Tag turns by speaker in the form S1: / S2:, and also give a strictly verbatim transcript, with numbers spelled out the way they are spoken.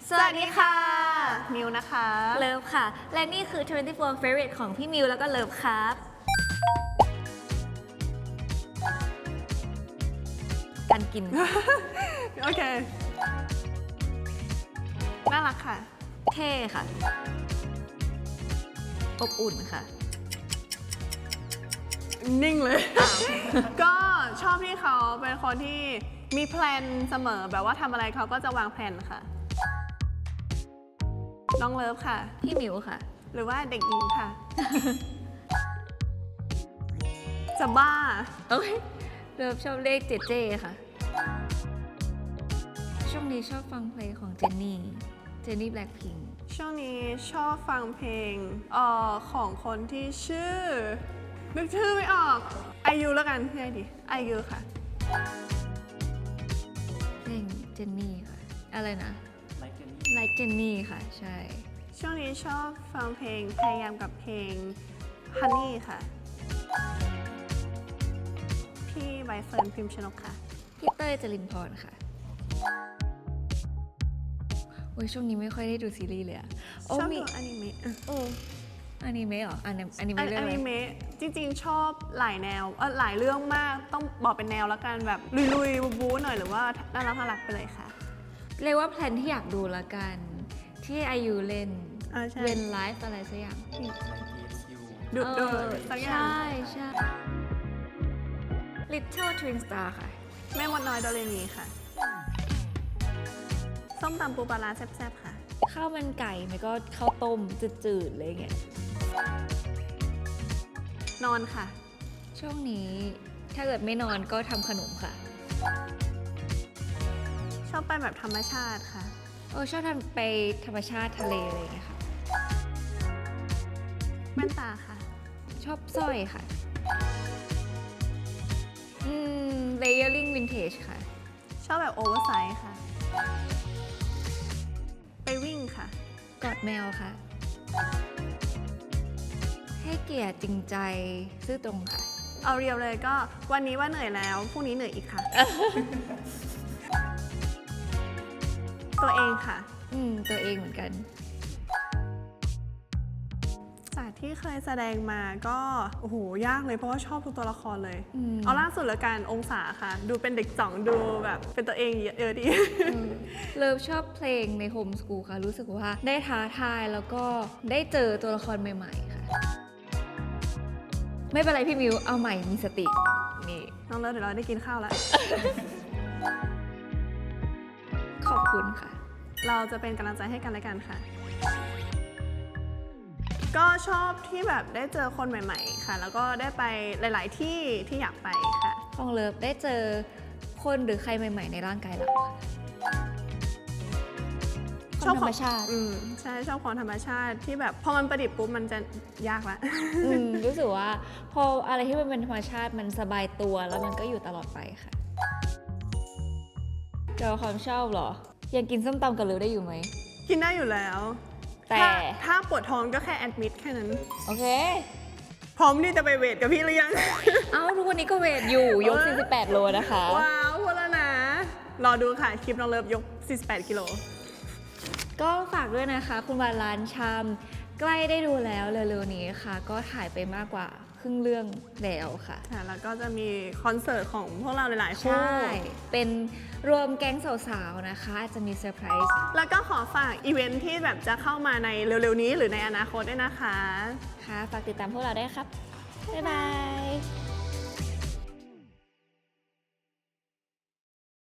S1: สวัสดีค่ะมิวนะคะ
S2: เลิฟค่ะและนี่คือยี่สิบสี่ favorite ของพี่มิวแล้วก็เลิฟครับการกิน
S1: โอเคน่ารักค่ะ
S2: เท่ค่ะอบอุ่นค่ะ
S1: นิ่งเลย ก็ชอบที่เขาเป็นคนที่มีแพลนเสมอแบบว่าทำอะไรเขาก็จะวางแผนค่ะน้องเลิฟค่ะ
S2: พี่มิวค่ะ
S1: หรือว่าเด็กหญิงค่ะ จะบ้า
S2: โอ้ยเลิฟชอบเลขเจเจค่ะช่วงนี้ชอบฟังเพลงของเจนนี่เจนนี่แบล็คพิงค์
S1: ช่วงนี้ชอบฟังเพลงเอ่อของคนที่ชื่อนึกชื่อไม่ออกไอยูแล้วกันง่ายดิไอยูค่ะ
S2: เพลงเจนนี่ค่ะอะไรนะ like เจนนี่ค่ะใช่
S1: ช่วงนี้ชอบฟังเพลงพยายามกับเพลง Honey ค่ะพี่ใบเฟิร์นพิมพ์ชนกค่ะ
S2: พี่เต้ยจรินพรค่ะโอ้ยช่วงนี้ไม่ค่อยได้ดูซีรีส์เลยอะ
S1: ชอบดูอนิเมะ
S2: เอออนิเมะเหรออนิเมะเรื่องอะไร
S1: อนิเมะจริงๆชอบหลายแนวเออหลายเรื่องมากต้องบอกเป็นแนวแล้วกันแบบลุยๆบู๊ๆหน่อยหรือว่าน่ารักน่ารักไปเลยค่ะ
S2: เรียกว่าแพลนที่อยากดูละกันที่อายุเล่นเล่นไลฟ์อะไรสักอย่าง
S1: ดูดูสักอย่าง
S2: ใช่ใช่ Little Twin Star ค่ะ
S1: แม่มดน้อยโดเรมีค่ะส้มตำปูปลาร้าแซ่บๆค่ะ
S2: ข้าวมันไก่ไม่ก็ข้าวต้มจืดๆอะไรเงี้ย
S1: นอนค่ะ
S2: ช่วงนี้ถ้าเกิดไม่นอนก็ทำขนมค่ะ
S1: ชอบไปแบบธรรมชาติค่ะ
S2: โอ้ชอบทำไปธรรมชาติทะเลอะไรเงี้ยค่ะ
S1: แว่นตาค่ะ
S2: ชอบสร้อยค่ะอืม layering vintage ค่ะ
S1: ชอบแบบโอเวอร์ไซส์ค่ะไปวิ่งค่ะ
S2: กอดแมวค่ะให้เกียรติจริงใจซื่อตรงค่ะ
S1: เอาเรียวเลยก็วันนี้ว่าเหนื่อยแล้วพรุ่งนี้เหนื่อยอีกค่ะ ตัวเองค่ะ
S2: อืมตัวเองเหมือนกัน
S1: จากที่เคยแสดงมาก็โอ้โหยากเลยเพราะว่าชอบทุกตัวละครเลยเอาล่าสุดละกันองศาค่ะดูเป็นเด็กจ่องดูแบบเป็นตัวเองเยอะดี
S2: เลิฟชอบเพลงในโฮมสกูลค่ะรู้สึกว่าได้ท้าทายแล้วก็ได้เจอตัวละครใหม่ๆค่ะไม่เป็นไรพี่มิวเอาใหม่มีสตินี่
S1: น้องเลิฟเดี๋ยวเราได้กินข้าวแล้ว
S2: ขอบคุณค่ะ
S1: เราจะเป็นกำลังใจให้กันและกันค่ะก็ชอบที่แบบได้เจอคนใหม่ๆค่ะแล้วก็ได้ไปหลายๆที่ที่อยากไปค่ะ
S2: ของเลิฟได้เจอคนหรือใครใหม่ๆในร่างกายเราค่ะชอบธรรมชาติ
S1: อืมใช่ชอบความธรรมชาติที่แบบพอมันประดิษฐ์ปุ๊บมันจะยากละ
S2: รู้สึกว่าพออะไรที่มันเป็นธรรมชาติมันสบายตัวแล้วมันก็อยู่ตลอดไปค่ะเจอความชอบเหรอยังกินส้มตำกับเลิฟได้อยู่ไหม
S1: กินได้อยู่แล้ว
S2: แต่
S1: ถ้าปวดท้องก็แค่แอดมิดแค่นั้น
S2: โอเค
S1: พร้อมที่จะไปเวทกับพี่หรือยัง
S2: เอ้าทุกวันนี้ก็เวทอยู่ยกสี่สิบแปดโลนะคะ
S1: ว้าวพูดแล้วนะรอดูค่ะคลิปน้องเลิฟยกสี่สิบแปดกิโล
S2: ก็ฝากด้วยนะคะคุณวานล้านชามใกล้ได้ดูแล้วเร็วๆนี้ค่ะก็ถ่ายไปมากกว่าครึ่งเรื่องแล้วค่ะ
S1: แล้วก็จะมีคอนเสิร์ตของพวกเราหลายๆคู่
S2: ใช่เป็นรวมแก๊งสาวๆนะคะจะมีเซอร์ไพรส์
S1: แล้วก็ขอฝากอีเวนท์ที่แบบจะเข้ามาในเร็วๆนี้หรือในอนาคตด้วยนะคะ
S2: ค่ะฝากติดตามพวกเราได้ครับบ๊ายบาย